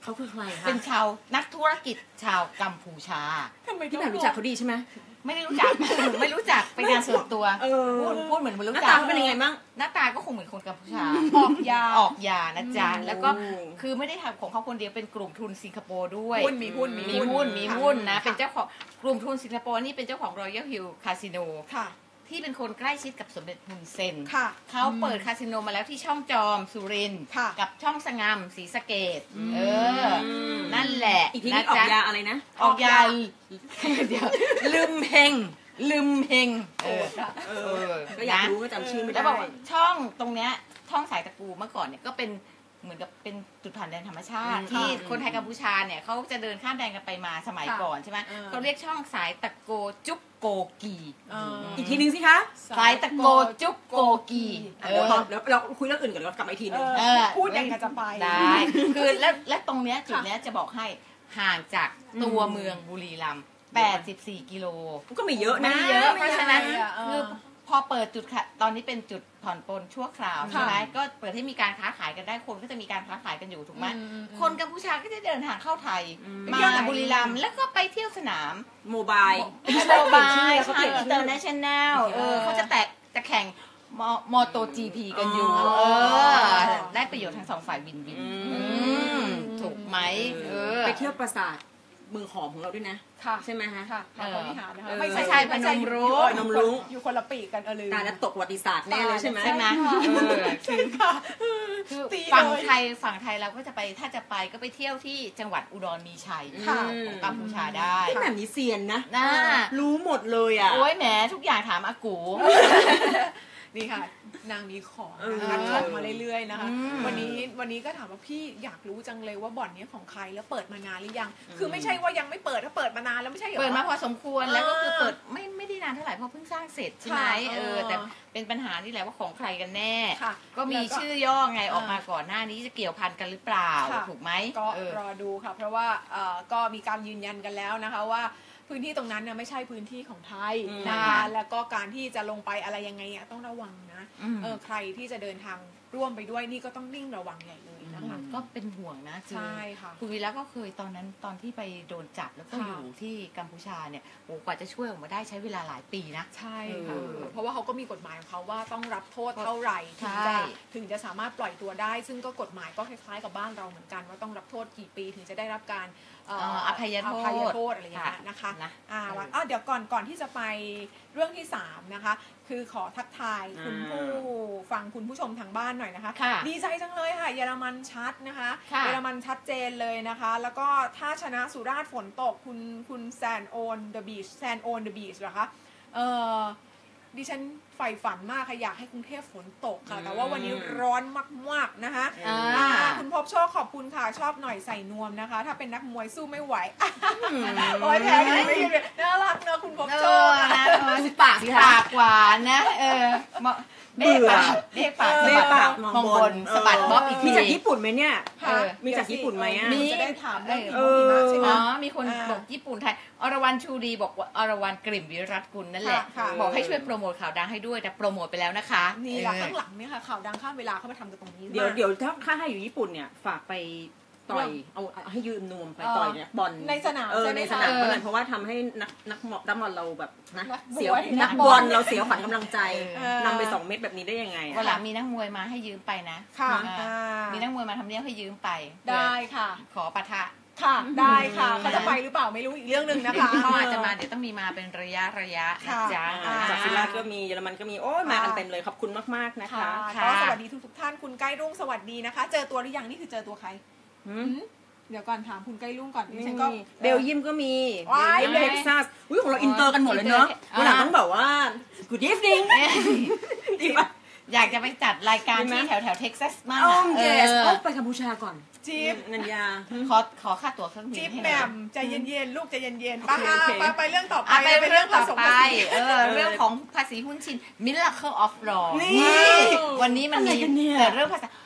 Speaker 1: เขาคือใครคะ
Speaker 2: เป็นชาวนักธุรกิจชาวกัมพูชา
Speaker 3: ทำไม
Speaker 1: พี่แหม่มรู้จักเขาดีใช่ไหม
Speaker 2: ไม่ได้รู้จัก ไม่รู้จักเป็นงานส่วนตัว
Speaker 1: เออ
Speaker 2: พูดพูดเหมือนไม่
Speaker 1: ห
Speaker 2: รู้
Speaker 1: น้า
Speaker 2: จั
Speaker 1: ตาก เขาเป็นยังไงบ้าง
Speaker 2: หน้าตาก็คงเหมือนคนกัมพูชา
Speaker 3: ออกยา
Speaker 2: ออกยานะจ๊ะ
Speaker 1: อืม
Speaker 2: แล้วก็คือไม่ได้ทำของเขาคนเดียวเป็นกลุ่มทุนสิงคโปร์ด้วย
Speaker 3: หุ้นมีหุ้น
Speaker 2: มีหุ้นมีหุ้นนะ
Speaker 3: ค่ะ
Speaker 2: เป็นเจ้าของกลุ่มทุนสิงคโปร์นี่เป็นเจ้าของ Royal Hill Casino
Speaker 3: ค่ะ
Speaker 2: ที่เป็นคนใกล้ชิดกับสมเด็จฮุนเซน
Speaker 3: ค่ะ
Speaker 2: เขาเปิดคาสิโนมาแล้วที่ช่องจอมสุรินทร์
Speaker 3: ค่ะ
Speaker 2: กับช่องสงามศรีสะเกษเออ นั่นแหละ
Speaker 1: อีกที
Speaker 2: นะ
Speaker 1: นี้ออก
Speaker 2: จ๊ะ
Speaker 1: ยาอะไรนะ
Speaker 2: ออกยาเดี๋ยวลืมเฮงลืมเฮงเออ
Speaker 1: เอ
Speaker 2: เอ
Speaker 1: อ
Speaker 2: อ
Speaker 1: ก็อยาก
Speaker 2: นะ
Speaker 1: รู้ก็จำชื่อไม่
Speaker 2: แล้
Speaker 1: ได้
Speaker 2: วบอกว่าช่องตรงเนี้ยช่องสายตะกูเมื่อก่อนเนี่ยก็เป็นเหมือนกับเป็นจุดผ่านแดนธรรมชาติ
Speaker 1: อืม
Speaker 2: ที่
Speaker 1: อืม
Speaker 2: คนไทยกัมพูชาเนี่ยเขาจะเดินข้ามแดนกันไปมาสมัย
Speaker 3: ค่ะ
Speaker 2: ก่อนใช่ไหม
Speaker 3: เออ
Speaker 2: เขาเรียกช่องสายตะโกจุกโกกี
Speaker 3: เอออี
Speaker 1: อีกทีนึงสิคะ
Speaker 2: สายตะโกจุกโกกีเอ
Speaker 1: เดี๋ยว
Speaker 2: อ
Speaker 1: พอแล้วเราคุยเรื่องอื่นก่อนเรากลับมาอีกทีนึง
Speaker 3: เออพูดอย่างกับจะไป
Speaker 2: ได้ คือและและตรงเนี้ยจุดเนี้ยจะบอกให้ห่างจากตัวเมืองบุรีรัมย์แปดสิบสี่กิโล
Speaker 1: ก็ไม่เยอะนะ
Speaker 2: ไม่เยอะเพราะฉะนั้น
Speaker 3: ไม่เยอะเออ
Speaker 2: คือพอเปิดจุดค่ะตอนนี้เป็นจุดผ่อนปลนชั่วคราว
Speaker 3: ค่ะ
Speaker 2: ใช่ไหมก็เปิดให้มีการค้าขายกันได้คนก็จะมีการค้าขายกันอยู่ถูกไหม
Speaker 3: อืมอืม
Speaker 2: คนกัมพูชาก็จะเดินทางเข้าไทย
Speaker 1: อืม
Speaker 2: มา
Speaker 3: เที่ยวไหน
Speaker 2: บุรีรัมย์แล้วก็ไปเที่ยวสนาม
Speaker 1: โมบาย
Speaker 2: โมบาย
Speaker 1: เขา
Speaker 2: ใช่
Speaker 1: เปลี่ยนชื่อ
Speaker 2: อินเตอร์เนชั่นแนลเออเขาจะแตะจะแข่งมอโตจีพีกันอยู่
Speaker 1: อ๋อ
Speaker 2: เออได้ประโยชน์ทั้งสองฝ่ายวินวิน
Speaker 1: อืม
Speaker 2: อืมถูกไหมเออ
Speaker 1: ไปเที่ยวปราสาทเมืองหอมของเราด้วยนะ
Speaker 3: ค่ะ
Speaker 1: ใช่ไหมฮะ
Speaker 3: ค่ะค่ะพระวิหารนะคะ
Speaker 1: เออ
Speaker 3: ไม่ใช่
Speaker 2: ไม่ใช่พนมรุ้ง
Speaker 3: อยู่
Speaker 1: พนมรุ้ง
Speaker 3: อยู่คนละปีกกันเออลืม
Speaker 1: ตาแล้วตกประวัติศาสตร์แน่เลยใช่ไหม
Speaker 2: ใช่ไหม
Speaker 3: ค่ะ
Speaker 2: เออ
Speaker 3: ใช่ค่ะ
Speaker 2: คือ
Speaker 3: ตี
Speaker 2: ฝั่ง
Speaker 3: เลย
Speaker 2: ไทยฝั่งไทยเราก็จะไปถ้าจะไปก็ไปเที่ยวที่จังหวัดอุดรมีชัย
Speaker 3: ค่ะ
Speaker 2: ของกัมพูชาได้
Speaker 1: พี่แหม่มนี่เซียนนะ
Speaker 2: น่า
Speaker 1: รู้หมดเลยอ่ะ
Speaker 2: โอ้ยแหมทุกอย่างถามอากู
Speaker 3: นี่ค่ะ นางมีของ
Speaker 1: เออ
Speaker 3: นะคะของมาเรื่อยๆนะคะ
Speaker 2: อืม
Speaker 3: วันนี้วันนี้ก็ถามว่าพี่อยากรู้จังเลยว่าบ่อนเนี้ยของใครแล้วเปิดมานานหรือยัง คือไม่ใช่ว่ายังไม่เปิดถ้าเปิดมานานแล้วไม่ใช่เหรอ
Speaker 2: เปิดมาพอสมควร
Speaker 3: เออ
Speaker 2: แล้วก็คือเปิดไม่ไม่ได้นานเท่าไหร่เพราะเพิ่งสร้างเสร็จใช่ไหม
Speaker 3: ค่ะ
Speaker 2: เอ
Speaker 3: เอ
Speaker 2: อ
Speaker 3: อ
Speaker 2: แต่เป็นปัญหานี่แหละว่าของใครกันแน่
Speaker 3: ค่ะ
Speaker 2: ก็มี
Speaker 3: แล้วก็
Speaker 2: ชื่อย่อไง
Speaker 3: เออ
Speaker 2: ออกมาก่อนหน้านี้จะเกี่ยวพันกันหรือเปล่า
Speaker 3: ค่ะ
Speaker 2: ถูกไหม
Speaker 3: ก็
Speaker 2: เออ
Speaker 3: รอดูค่ะ เพราะว่าเอ่อก็มีการยืนยันกันแล้วนะคะว่าพื้นที่ตรงนั้นเนี่ยไม่ใช่พื้นที่ของไทย
Speaker 1: อืม
Speaker 3: นะคะแล้วก็การที่จะลงไปอะไรยังไงเนี่ยต้องระวังนะ
Speaker 2: อืม
Speaker 3: เออใครที่จะเดินทางร่วมไปด้วยนี่ก็ต้องนิ่งระวังใหญ่เลยนะคะ
Speaker 2: ก็เป็นห่วงนะคือ
Speaker 3: ใช่ค่ะ
Speaker 2: คุณวีระก็เคยตอนนั้นตอนที่ไปโดนจับแล้วก็
Speaker 3: ค่ะ
Speaker 2: อยู่ที่กัมพูชาเนี่ยโอ้กว่าจะช่วยออกมาได้ใช้เวลาหลายปีนะ
Speaker 3: ใช่ค่ะ
Speaker 2: เออ
Speaker 3: เพราะว่าเขาก็มีกฎหมายของเขาว่าต้องรับโทษเท่าไหร่ถึง
Speaker 2: ใช่
Speaker 3: จะถึงจะสามารถปล่อยตัวได้ ซึ่งก็กฎหมายก็คล้ายๆกับบ้านเราเหมือนกันว่าต้องรับโทษกี่ปีถึงจะได้รับการเอ่อ
Speaker 2: เอ่ออภัยโทษ
Speaker 3: อภัยโทษอะไรอย่างเงี้ยนะคะ
Speaker 2: นะ
Speaker 3: อ่า
Speaker 2: เออ
Speaker 3: วันอ้าวเดี๋ยวก่อนก่อนที่จะไปเรื่องที่สามนะคะ คือขอทักทายคุณ
Speaker 1: อ่า
Speaker 3: ผู้ฟังคุณผู้ชมทางบ้านหน่อยนะคะ
Speaker 2: ค่ะ
Speaker 3: ดีใจจังเลยค่ะ เยอรมันชัดนะคะ
Speaker 2: ค่ะ
Speaker 3: เยอรมันชัดเจนเลยนะคะ แล้วก็ถ้าชนะสุราษฎร์ฝนตกคุณคุณแซนโอนเดอะบีชแซนโอนเดอะบีชเหรอคะเออดิฉันใฝ่ฝันมากค่ะอยากให้กรุงเทพฝนตกค่ะ แต่ว่าวันนี้ร้อนมากๆนะคะ
Speaker 2: อ่า
Speaker 3: อ่าคุณพบโชคขอบคุณค่ะ ชอบหน่อยใส่นวมนะคะ ถ้าเป็นนักมวยสู้ไม่ไหว โอ้ยแพ้กันไม่หยุดเลยน่ารักเนอะคุณพบ
Speaker 2: เอ
Speaker 3: โชค
Speaker 2: อ
Speaker 3: อะ
Speaker 2: นะเออ
Speaker 1: ปากสิคะ
Speaker 2: ปากหวานนะ เออเหมาะเบ้ปากเบ้ปาก
Speaker 1: เบ้ปาก
Speaker 2: มองบนสะบัดบ๊อบอีกที
Speaker 1: มีจากญี่ปุ่นไหมเนี่ย
Speaker 3: ค่ะ
Speaker 2: เออ
Speaker 1: มีจากญี่ปุ่นไหมอะ
Speaker 3: มีจะได้ถามเรื่อง
Speaker 2: เอ
Speaker 3: หิ
Speaker 2: อ
Speaker 3: มะใช่ไหม
Speaker 2: อ๋อ มีคน
Speaker 3: อ่า
Speaker 2: บอกญี่ปุ่นไทย อรวรรณชูดีบอกว่าอรวรรณกลิ่มวิรัตกุลนั่นแหละ
Speaker 3: ค่ะ
Speaker 2: บอกให้ช่วยโปรโมทข่าวดังให้ด้วย แต่โปรโมทไปแล้วนะคะ
Speaker 3: นี่แหละ
Speaker 2: เออ
Speaker 3: ข้างหลังเนี่ยค่ะข่าวดังข้ามเวลาเข้ามาทำกันตรงนี้
Speaker 1: เดี๋ยว
Speaker 3: มา
Speaker 1: เดี๋ยวถ้าค่าให้อยู่ญี่ปุ่นเนี่ยฝากไปต่อยเอาเอาให้ยืมนวมไปต่อยเนี่ยบอล
Speaker 3: ในสนาม
Speaker 1: เออ
Speaker 3: ใช่ไหม
Speaker 1: ในส
Speaker 3: คะ
Speaker 1: นาม
Speaker 2: เออ
Speaker 1: ก็เลยเพราะว่าทำให้นักนักหมอกนักบอลเราแบบนะ
Speaker 3: นักบวย
Speaker 1: เสียว
Speaker 3: นั
Speaker 1: นั
Speaker 3: ก
Speaker 1: ก
Speaker 3: บบ อ
Speaker 1: อ
Speaker 3: ล
Speaker 1: ลเราเสียวขวัญกำลังใจ
Speaker 3: เออ
Speaker 1: นำไปสองเม็ดแบบนี้ได้ยังไงอะ
Speaker 2: วันหลังมีนักมวยมาให้ยืมไปนะ
Speaker 3: ค่ะ
Speaker 2: อ่า
Speaker 3: อ่ามี
Speaker 2: มีนักมวยมาทำเนียบให้ยืมไป
Speaker 3: ได้ค่ะ
Speaker 2: ขอปะทะ
Speaker 3: ค่ะ ได้ค่ะเขาจะไปหรือเปล่าไม่รู้อีกเรื่องหนึ่งนะคะ
Speaker 2: เขาอาจจะมาเดี๋ยวต้องมีมาเป็นระยะระยะนะ
Speaker 3: ค่ะ
Speaker 2: จ๊ะ
Speaker 3: อ่า
Speaker 1: จากฟินแลนด์ก็มีเยอรมันก็มีโอ้ยมากันเต็มเลยขอบคุณมากๆนะคะ
Speaker 3: ค่ะก็สวัสดีทุกทุกๆท่านคุณใกล้รุ่งสวัสดีนะคะ เจอตัวหรือยังนี่คือเจอตัวใคร
Speaker 1: หืม
Speaker 3: เดี๋ยวก่อนถามคุณใกล้รุ่งก่อนดิ
Speaker 1: ไม่
Speaker 3: ฉัน
Speaker 1: มี
Speaker 3: ก็
Speaker 1: เบลเยียมก็มี
Speaker 3: ว้าย
Speaker 1: เบลเยียมเท็กซัสอุ้ยของเราอินเตอร์กันหมดเลยเนอะ
Speaker 2: อ่า
Speaker 1: วันหลังต้องแบบว่า good evening ดีป่ะ
Speaker 2: อยากจะไปจัดรายการ
Speaker 1: ดีไหม
Speaker 2: ที่แถวแถวเท็กซัสมาก
Speaker 1: อ้อ
Speaker 2: อะ
Speaker 1: ม
Speaker 2: เอ
Speaker 1: เยส
Speaker 2: อ
Speaker 1: ไปกัมพูชาก่อน
Speaker 3: จิ๊บ
Speaker 1: นันยา
Speaker 2: ขอขอค่าตั๋วเครื่องบิน
Speaker 3: จิ๊บ
Speaker 2: ให้ห
Speaker 3: แห
Speaker 2: น่
Speaker 3: ม่
Speaker 2: อย
Speaker 3: มใจเย็นๆลูกใจเย็นๆ
Speaker 1: โอเคโอเค
Speaker 3: ไปไปเรื่องต่อไป
Speaker 2: อ่ะไปเรื่องต่อ
Speaker 3: ผสม
Speaker 2: ไป
Speaker 3: ภาษี
Speaker 2: เออเรื่องของภาษีหุ้นชิน Miracle of Law
Speaker 1: นี่
Speaker 2: วันนี้มัน
Speaker 1: อะไร
Speaker 2: มี
Speaker 1: กันเนี่ย
Speaker 2: แต่เรื่องภาษา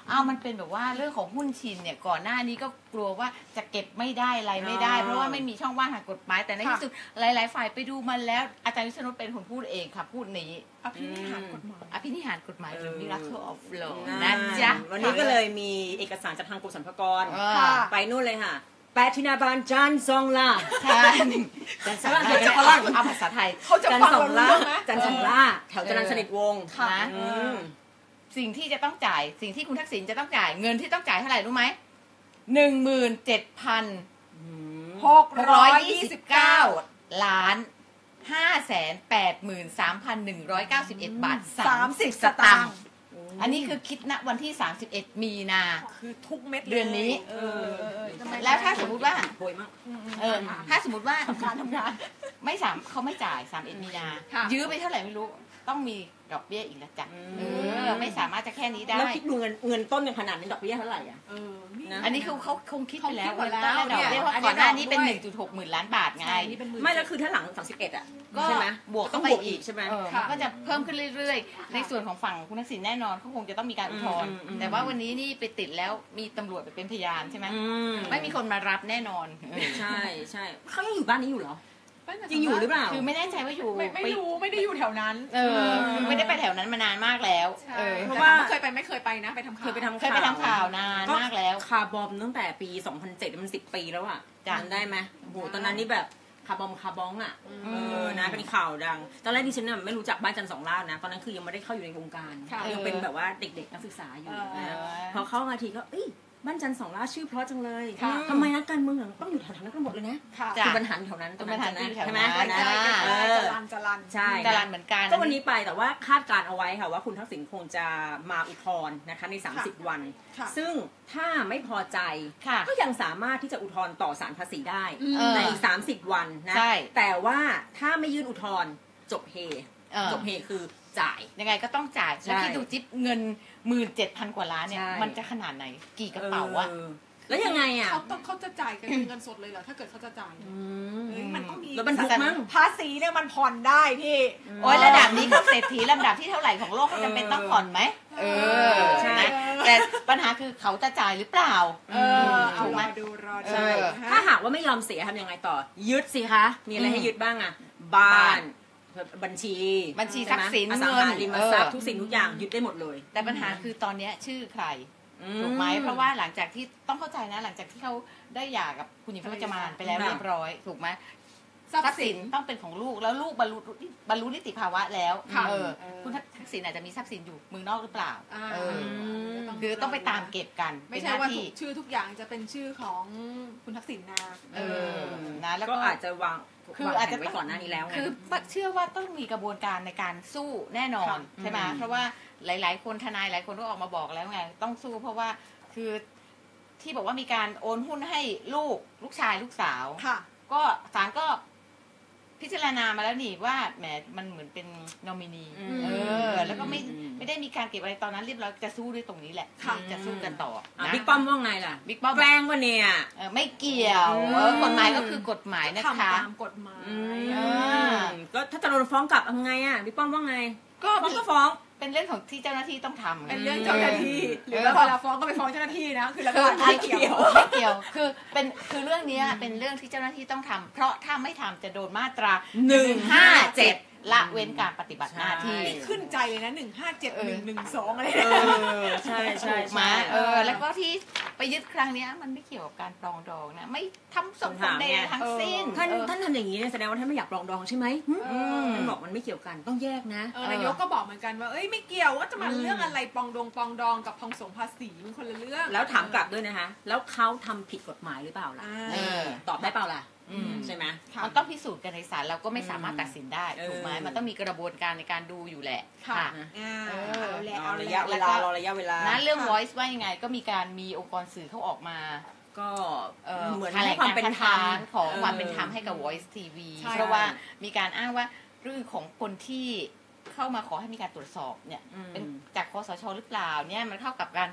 Speaker 2: เอามันเป็นแบบว่าเรื่องของหุ้นชินเนี่ยก่อนหน้านี้ก็กลัวว่าจะเก็บไม่ได้อะไรไม่ได้ เพราะว่าไม่มีช่องว่างทางกฎหมายแต่ในที่สุดหลายๆฝ่ายไปดูมันแล้วอาจารย์วิษณุเป็นคนพูดเองค่ะพูดนี้
Speaker 3: อภินิหารกฎหมาย
Speaker 2: อภินิหารกฎหมายหรือ Miracle of Law
Speaker 1: นะ
Speaker 2: นะจ๊ะ
Speaker 1: วันนี้ก็เลยมีเอกสารจากทางกรมสรรพากร
Speaker 2: ค่ะ
Speaker 1: ไปนู่นเลยค่ะแปดธินาบาลจันซองล่า
Speaker 2: ใช่จันทร์สองล่าจะฝรั่งเอาภาษาไทย
Speaker 3: เขาจะ
Speaker 1: จัน
Speaker 3: ฟัง
Speaker 1: สอง
Speaker 3: เรา
Speaker 1: ล่า
Speaker 3: เรื่องไหม
Speaker 1: จันสองล่าแถวจรัญสนิทวงศ์
Speaker 2: ค่ะ
Speaker 1: นะอืม
Speaker 2: สิ่งที่จะต้องจ่ายสิ่งที่คุณทักษิณจะต้องจ่ายเงินที่ต้องจ่ายเท่าไหร่รู้ไหมหนึ่งหมื่นเจ็ดพัน
Speaker 3: หก
Speaker 2: หก
Speaker 3: ร้
Speaker 2: ร้
Speaker 3: อ
Speaker 2: อย ย
Speaker 3: ยี่
Speaker 2: ยี่
Speaker 3: สิ
Speaker 2: สิ
Speaker 3: บบ เก้า
Speaker 2: เก้าล้านห้าแสนแปดหมื่นสามพันหนึ่งร้อยเก้าสิบเอ็ดบาท
Speaker 3: สา
Speaker 2: สาม ม
Speaker 3: สิ
Speaker 2: สิ
Speaker 3: บบ ส
Speaker 2: ส
Speaker 3: ตา
Speaker 2: ตาง ง
Speaker 3: ค์
Speaker 2: ค์อันนี้คือคิดณวันที่สามสิบเอ็ดมีนา
Speaker 3: คือทุกเม็ดลย
Speaker 2: เดือนนี้
Speaker 3: เออเออเออทำไม
Speaker 2: แล้วถ้าสมมุติว่า
Speaker 1: โหยมาก
Speaker 2: เออถ้าสมมติว่า
Speaker 3: ทำงานทำงาน
Speaker 2: ไม่สามเขาไม่จ่ายสามเอ็ดมีนา
Speaker 3: ค่ะ
Speaker 2: ยื้อไปเท่าไหร่ไม่รู้ต้องมีดอกเบี้ยอีกแล้วจ้ะ
Speaker 1: อืม
Speaker 2: เออไม่สามารถจะแค่นี้ได้
Speaker 1: แล้วคิดดูเงินเงินต้นยังขนาดนี้ดอกเบี้ยเท่าไหร่อ่ะ
Speaker 3: เออนี่
Speaker 1: นะ
Speaker 2: อันนี้คือเขาคงคิดไปแล้ว
Speaker 3: เขาคิดหมดแล้ว
Speaker 2: ดอกเบี้ยเพราะ
Speaker 3: เนี่ย
Speaker 2: ก่อนหน้านี้เป็น
Speaker 3: อัน
Speaker 2: ห
Speaker 3: นี้
Speaker 2: นึ่ง
Speaker 3: ด
Speaker 2: จุ
Speaker 3: อก
Speaker 2: ด
Speaker 3: ด้วย
Speaker 2: หกหมื่นล้านบาทไง
Speaker 3: ใช่นี่เป็นหมื่น
Speaker 1: ไม่แล้วคือถ้าหลังสามสิบเอ็ดอ่ะ
Speaker 2: ก็
Speaker 1: ใช่ไหม
Speaker 2: บวก
Speaker 1: ต้
Speaker 2: เข้า
Speaker 1: อง
Speaker 2: ไป
Speaker 1: บวก
Speaker 2: อี
Speaker 1: อี
Speaker 2: ก
Speaker 1: กใช่ไหม
Speaker 2: เออ
Speaker 3: ค่ะ
Speaker 2: มันก็จะเพิ่มขึ้นเรื่อยๆ ในส่วนของฝั่งคุณทักษิณแน่นอนเขาคงจะต้องมีการอุทธรณ์
Speaker 1: อืมอืม
Speaker 2: แต่ว่าวันนี้นี่ไปติดแล้วมีตำรวจไปเป็นพยานใช่ไหม
Speaker 1: อืม
Speaker 2: ไม่มีคนมารับแน่นอน
Speaker 1: ใช่ใช่เขายังอยู่บ้านนี้อยู่เหรอ
Speaker 3: ไม่แต่
Speaker 1: ยังอยู่หรือเปล่า
Speaker 2: คือไม่แน่ใจว่าอยู่
Speaker 3: ไม่ไม่รู้ไม่ได้อยู่แถวนั้น
Speaker 2: เออคือไม่ได้ไปแถวนั้นมานานมากแล้ว
Speaker 3: ใช่
Speaker 2: เออ
Speaker 1: เพ
Speaker 3: เพ
Speaker 1: ราะ
Speaker 3: ราะ
Speaker 1: ว่า
Speaker 3: ว่าเคยไปไม่เคยไปนะไปทำข่าว
Speaker 1: เคยไปทำ
Speaker 2: เคยไปทำข่าวนานมากแล้ว
Speaker 1: คาร์บอมตั้งแต่ปี สองพันเจ็ด มันสิบปีแล้วอ่ะ
Speaker 2: จ้ะ
Speaker 1: จำได้ไหมโอ้โหตอนนั้นนี่แบบคาร์บอมคาร์บองอ่ะ
Speaker 3: อืม
Speaker 1: เออนะเป็นข่าวดัง ตอนแรกดิฉันน่ะไม่รู้จักบ้านจันทร์สองล่านะ ตอนนั้นคือยังไม่ได้เข้าอยู่ในวงการ
Speaker 3: ค่ะ
Speaker 1: ยังเป็นแบบว่าเด็กๆนักศึกษาอยู่
Speaker 3: เออ
Speaker 1: นะพอเข้ามาทีก็เอ้ยบ้านจันทร์สองล่าชื่อเพราะจังเลย
Speaker 3: ค่ะ
Speaker 1: ทำไมนักการเมืองต้องอยู่แถวๆนั้นกันหมดเลยนะ
Speaker 3: ค่ะ
Speaker 2: จ้ะ
Speaker 1: คือปัญหาอยู่แถวนั้น
Speaker 2: คือปัญหาอยู่แถว
Speaker 1: ใช่ไหม
Speaker 2: นั้น
Speaker 3: ใกล้ๆใกล้ๆ
Speaker 1: เออ
Speaker 3: จรันจรัน
Speaker 1: ใช่
Speaker 2: จรันเหมือนกัน
Speaker 1: ก็วันนี้ไปแต่ว่าคาดการเอาไว้ค่ะว่าคุณทักษิณคงจะมาอุทธรณ์นะคะใน สามสิบ วัน
Speaker 3: ค่ะ
Speaker 1: ซึ่งถ้าไม่พอใจ
Speaker 2: ค่ะ
Speaker 1: ก็ยังสามารถที่จะอุทธรณ์ต่อศาลภาษีได้
Speaker 2: เออ
Speaker 1: ในอีกสามสิบ วันนะ
Speaker 2: ใช่
Speaker 1: แต่ว่าถ้าไม่ยื่นอุทธรณ์จบเฮ
Speaker 2: เออ
Speaker 1: จบเฮคือจ่าย
Speaker 2: ยังไงก็ต้องจ่าย
Speaker 1: ใช่
Speaker 2: แล้วคิดดูจิ๊บเงินหมื่นเจ็ดพันกว่าล้านเนี่ย
Speaker 1: ใช่
Speaker 2: มันจะขนาดไหน กี่กระเป๋าวะ
Speaker 1: ออแล้วยังไงอ่ะ
Speaker 3: เขาต้องเขาจะจ่ายกันเป็นเงินสดเลยเหรอถ้าเกิดเขาจะจ่ายเนี่ย
Speaker 1: อืม
Speaker 3: เฮ้ยมันต้องมี
Speaker 1: แล้วบรรทุกมั้ง
Speaker 3: ภาษีเนี่ยมันผ่อนได้พี่
Speaker 2: โอ้ยระดับนี้เขาเศรษฐีลำดับที่เท่าไหร่ของโลกเขาจำเป็นต้องผ่อนไหมเออ
Speaker 1: ใช่
Speaker 2: นะแต่ปัญหาคือเขาจะจ่ายหรือเปล่า
Speaker 3: เออเอา
Speaker 2: ถูกไห
Speaker 3: ร
Speaker 2: ม
Speaker 3: อดูรอดู
Speaker 2: ใช่
Speaker 3: ฮะ
Speaker 1: ถ้าหากว่าไม่ยอมเสียทำยังไงต่อ ยึดสิคะ มีอะไรให้ยึดบ้างอ่ะ บ้าน บัญชี
Speaker 2: บัญชีทรัพย์สิน
Speaker 1: อสัง
Speaker 2: เงิน
Speaker 1: หาริมทรัพย์
Speaker 2: เออ
Speaker 1: ทุกสิ่งทุกอย่างยึดได้หมดเลย
Speaker 2: แต่ปัญหาคือตอนเนี้ยชื่อใคร
Speaker 1: อื
Speaker 2: ถูกไหมเพราะว่าหลังจากที่ต้องเข้าใจนะหลังจากที่เขาได้หย่ากับคุณหญิงพจมานไปแล้ว
Speaker 1: ค่ะ
Speaker 2: เรียบร้อยถูกไหม
Speaker 3: ทรัพ
Speaker 2: ทรัพ
Speaker 3: ย์
Speaker 2: ย์
Speaker 3: สิ
Speaker 2: สิ
Speaker 3: น
Speaker 2: นต้องเป็นของลูกแล้วลูกบรรลุบรรลุนิติภาวะแล้ว
Speaker 3: ค่ะ
Speaker 2: เออ
Speaker 3: เออ
Speaker 2: คุณทักษิณอาจจะมีทรัพย์สินอยู่เมืองนอกหรือเปล่า
Speaker 3: อ่า
Speaker 2: เออ
Speaker 1: ม
Speaker 2: คือต้องไปตามเก็บกัน
Speaker 3: ไม่
Speaker 2: เป็นห
Speaker 3: ใช่
Speaker 2: น้า
Speaker 3: ว่า
Speaker 2: ที่
Speaker 3: ทุกชื่อทุกอย่างจะเป็นชื่อของคุณทักษิณนะ
Speaker 2: เออนะแล้ว
Speaker 1: ก็
Speaker 2: ก็
Speaker 1: อาจจะวาง
Speaker 2: คือ
Speaker 1: วาง
Speaker 2: อาจ
Speaker 1: แผ
Speaker 2: จะ
Speaker 1: นไว้ก่อนหน้านี้แล้วไง
Speaker 2: คือเชื่อว่าต้องมีกระบวนการในการสู้แน่นอน
Speaker 3: ค่ะ
Speaker 2: ใช่ไหม
Speaker 1: อืม
Speaker 2: เพราะว่าหลาย ๆ คนทนายหลายคนก็ออกมาบอกแล้วไงต้องสู้เพราะว่าคือที่บอกว่ามีการโอนหุ้นให้ลูกลูกชายลูกสาว
Speaker 3: ค่ะ
Speaker 2: ก็ศาลก็พิจารณามาแล้วนี่ว่าแหมมันเหมือนเป็นนอมินี
Speaker 1: อืม
Speaker 2: เออ แล้วก็ไม่ไม่ได้มีการเก็บอะไรตอนนั้นเรียบร้อยจะสู้ด้วยตรงนี้แหละ
Speaker 3: ค่ะ
Speaker 2: จะสู้กันต่อ
Speaker 1: อ่ะ
Speaker 2: นะ
Speaker 1: บิ๊กป้อมว่าไงล่ะ
Speaker 2: บิ๊กป้อม
Speaker 1: แกล้งวะเนี่ย
Speaker 2: เออไม่เกี่ยว
Speaker 1: อืม
Speaker 2: เออกฎหมายก็คือกฎหมายนะ
Speaker 3: ทำ
Speaker 2: คะ
Speaker 3: ตามกฎหมาย
Speaker 1: อื
Speaker 2: อ่า
Speaker 1: มก็ถ้าจะโดนฟ้องกลับทำไงอ่ะบิ๊กป้อมว่าไง
Speaker 2: ก็
Speaker 1: ฟ้องก็ฟ้อง
Speaker 2: เป็นเรื่องของที่เจ้าหน้าที่ต้องทำไง
Speaker 3: เป็นเรื่องเจ้าหน้าที่หรือ
Speaker 2: เออ
Speaker 3: ว่าเวลาฟ้องก็ไปฟ้องเจ้าหน้าที่นะคือรัฐ
Speaker 2: คือบ
Speaker 3: าล
Speaker 2: ไม่
Speaker 3: ไม่
Speaker 2: เกี่
Speaker 3: เกี่
Speaker 2: ย
Speaker 3: ยว ว
Speaker 2: ไม่เกี่ยวคือเป็นคือเรื่องเนี้ยเป็นเรื่องที่เจ้าหน้าที่ต้องทำเพราะถ้าไม่ทำจะโดนมาตรา
Speaker 1: หนึ่งห้าเจ็ด
Speaker 2: ละเว้นการปฏิบัติหน้าที่
Speaker 1: ใช่
Speaker 3: นี่ขึ้นใจเลยนะหนึ่งห้าเจ็ด
Speaker 2: เอ
Speaker 3: ห
Speaker 2: อ
Speaker 3: นึ่งหนึ่งสองอะไร
Speaker 1: เอ
Speaker 3: เนี่ย
Speaker 1: อใช่ใช่
Speaker 2: ถูกไหม
Speaker 1: ใช่
Speaker 2: เออแล้วก็ที่ไปยึดครั้งเนี้ยมันไม่เกี่ยวกับการปรองดองนะไม่ทำสมผลใดๆทั้งสิ้น
Speaker 1: ท่าน
Speaker 2: เออ
Speaker 1: ท่านทำอย่างนี้เนี่ยแสดงว่าท่านไม่อยากปรองดองใช่ไหมหึ
Speaker 2: อืม
Speaker 1: ท่านบอกมันไม่เกี่ยวกันต้องแยกนะ
Speaker 3: เออนายกก็บอกเหมือนกันว่าเอ้ยไม่เกี่ยวว่าจะมาเรื่องอะไรปองดองปองดองกับพองสงภาษีมันคนละเรื่อง
Speaker 1: แล้วถามกลับด้วยนะคะ แล้วเขาทำผิดกฎหมายหรือเปล่าล่ะ
Speaker 3: อ่า
Speaker 2: เออ
Speaker 1: ตอบได้เปล่าล่ะ
Speaker 2: อืม
Speaker 1: ใช่ไหม
Speaker 3: ค่ะ
Speaker 2: มันต้องพิสูจน์กันในศาลเราก็ไม่สามารถตัดสินได้
Speaker 1: เออ
Speaker 2: ถูกไหมมันต้องมีกระบวนการในการดูอยู่แหละ
Speaker 3: ค่ะ
Speaker 2: ค่ะ
Speaker 3: อ่า
Speaker 2: เออ
Speaker 3: เอาแหละ
Speaker 1: รอ
Speaker 3: เอา
Speaker 1: ระ
Speaker 3: แห
Speaker 1: ยะ
Speaker 3: ละ
Speaker 1: เวลารอระยะเวลา
Speaker 2: นะเรื่อง
Speaker 3: ค่ะ
Speaker 2: voice ว่ายังไงก็มีการมีองค์กรสื่อเขาออกมา
Speaker 1: ก็
Speaker 2: เอ่อ
Speaker 1: เหมือน
Speaker 2: แถล
Speaker 1: ให้
Speaker 2: ง
Speaker 1: ความ
Speaker 2: การ
Speaker 1: เป็น
Speaker 2: คัด
Speaker 1: ธรรม
Speaker 2: ค้านของความ
Speaker 1: ออ
Speaker 2: เป็นธรรมให้กับ voice ที วี
Speaker 3: ใช่
Speaker 2: เพราะว่ามีการอ้างว่าเรื่องของคนที่เข้ามาขอให้มีการตรวจสอบเนี่ย
Speaker 1: อืม
Speaker 2: เป็นจากคสชหรือเปล่าเนี่ยมันเข้ากับการ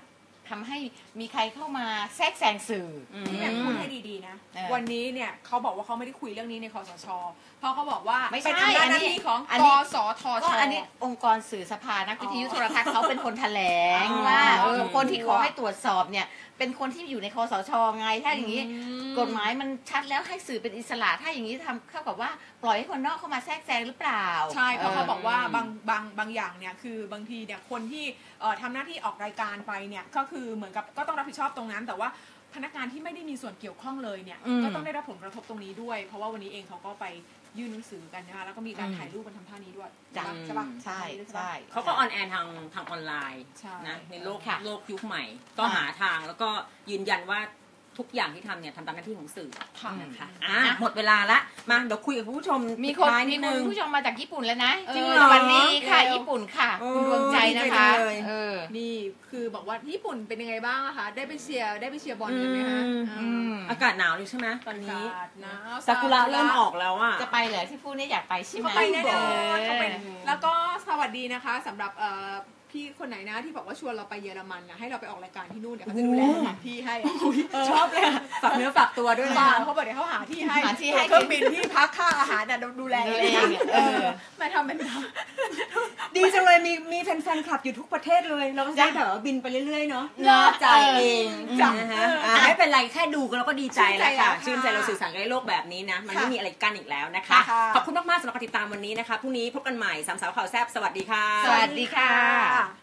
Speaker 2: ทำให้มีใครเข้ามาแทรกแซงสื่ออ
Speaker 3: ที่อยากพูดให้ดีๆนะ
Speaker 2: เออ
Speaker 3: วันนี้เนี่ยเขาบอกว่าเขาไม่ได้คุยเรื่องนี้ในคสช เพราะเขาบอกว่า
Speaker 2: ไม่ใช่
Speaker 3: เป็นอำนาจหน้า
Speaker 2: อันนี้
Speaker 3: ที่ของ
Speaker 2: อัน
Speaker 3: ก
Speaker 2: นี้
Speaker 3: สทช
Speaker 2: ก็อันนี้องค์กรสื่อสภานักวิทยุ
Speaker 3: อ๋อ
Speaker 2: โทรทัศน์เขาเป็นคนแถลง
Speaker 3: อ๋อ
Speaker 2: ว่าเออ
Speaker 3: อืม
Speaker 2: คนที่ขอให้ตรวจสอบเนี่ยเป็นคนที่อยู่ในคสชไงถ้าอย่างนี้
Speaker 3: อืม
Speaker 2: กฎหมายมันชัดแล้วให้สื่อเป็นอิสระถ้าอย่างนี้ทำเข้ากับว่าปล่อยให้คนนอกเข้ามาแทรกแซงหรือเปล่า
Speaker 3: ใช่เพราะเขาบอกว่า
Speaker 2: เ
Speaker 3: บางบางบางอย่างเนี่ยคือบางทีเนี่ยคนที่เอ่อทำหน้าที่ออกรายการไปเนี่ยก็คือเหมือนกับก็ต้องรับผิดชอบตรงนั้น แต่ว่าพนักงานที่ไม่ได้มีส่วนเกี่ยวข้องเลยเนี่ย
Speaker 2: อืม
Speaker 3: ก็ต้องได้รับผลกระทบตรงนี้ด้วย เพราะว่าวันนี้เองเขาก็ไปยื่นหนังสือกันนะคะแล้วก็มีการถ่ายรูปกันทำท่านี้ด้วย
Speaker 2: จ้ะ
Speaker 3: ใช่ปะ
Speaker 2: ใช่
Speaker 3: ใช่
Speaker 2: ใช่
Speaker 1: เขาก็ออนแอร์ทางทางออนไลน์
Speaker 3: ใช่
Speaker 1: นะในโลก
Speaker 2: ค่ะ
Speaker 1: โลกยุคใหม่ ก็
Speaker 2: อ่า
Speaker 1: หาทางแล้วก็ยืนยันว่าทุกอย่างที่ทำเนี่ยทำตามหน้าที่ของสื่อ
Speaker 3: ค่ะ
Speaker 1: นะคะอ่ะหมดเวลาละมาเดี๋ยวคุยกับคุณผู้ชม
Speaker 2: มี
Speaker 1: ปิด
Speaker 2: คน
Speaker 1: ท้าย
Speaker 2: มี
Speaker 1: นิด
Speaker 2: คุ
Speaker 1: นึ
Speaker 2: ณ
Speaker 1: ง
Speaker 2: ผู้ชมมาจากญี่ปุ่นแล้วนะ
Speaker 1: จริงเหรอ
Speaker 2: วันนี้ค่ะ
Speaker 3: เร็ว
Speaker 2: ญี่ปุ่นค่ะ
Speaker 1: โอ้
Speaker 2: คุณดวงใจนะคะ
Speaker 1: ดีใจจังเลย
Speaker 2: เออ
Speaker 3: นี่คือบอกว่าญี่ปุ่นเป็นยังไงบ้างอะคะได้ไปเชียร์ได้ไปเชียร์บอลกันไหมคะ
Speaker 1: อืม
Speaker 3: อืม
Speaker 1: อากาศหนาวเลยใช่ไหมตอนนี้
Speaker 3: อากาศหนาว
Speaker 1: ซากุระเริ่มออกแล้วอ่ะ
Speaker 2: จะไปเหรอที่พูดเนี่ยอยากไปใช่ไหม
Speaker 3: เขาไปแน่นอนเขาไป
Speaker 2: เออ
Speaker 3: แล้วก็สวัสดีนะคะสำหรับเอ่อพี่คนไหนนะที่บอกว่าชวนเราไปเยอรมันนะให้เราไปออกรายการที่นู่นเดี๋ยวเขาจะดูแลสถานที่ให้เ
Speaker 1: ชอบเลยฝากเนื้อฝากตัวด้วย
Speaker 3: บ้า
Speaker 1: นะ
Speaker 3: เขาบอกเดี๋ยวเขาหาที่ให้
Speaker 2: หาที่ให้
Speaker 3: เครื่องบินที่พักค่าอาหารน่ะดูแล
Speaker 2: ดู
Speaker 3: เอ
Speaker 2: แล
Speaker 3: ง
Speaker 2: เอง
Speaker 3: เอ
Speaker 2: เอ
Speaker 3: อ
Speaker 2: อ
Speaker 3: ไม่ทำเป็นท
Speaker 1: ดีจังเลยมีมีแฟนๆคลับอยู่ทุกประเทศเลยเราก็จะได้แบบว่าบินไปเรื่อยๆเนาะ
Speaker 2: เนอะ
Speaker 1: จ่ายเอง
Speaker 2: จ้ะ
Speaker 1: นะฮะอ่ะไม่เป็นไรแค่ดูกันแล้วก็ดีใจแล้วค่ะ
Speaker 3: ชื่
Speaker 1: ชื่
Speaker 3: น
Speaker 1: น
Speaker 3: ใจ
Speaker 1: ใจ
Speaker 3: แล้ว
Speaker 1: เรา
Speaker 3: ค่ะ
Speaker 1: สื่อสารกันในโลกแบบนี้นะ มัน
Speaker 3: ค่ะ
Speaker 1: ไม่มีอะไรกั้นอีกแล้วนะคะ
Speaker 3: ค่ะ
Speaker 1: ขอบคุณมากๆสำหรับการติดตามวันนี้นะคะพรุ่งนี้พบกันใหม่สามสาวข่าวแซ่บสวัสดีค่ะ
Speaker 2: สวัสดีค่ะ
Speaker 3: ค่ะ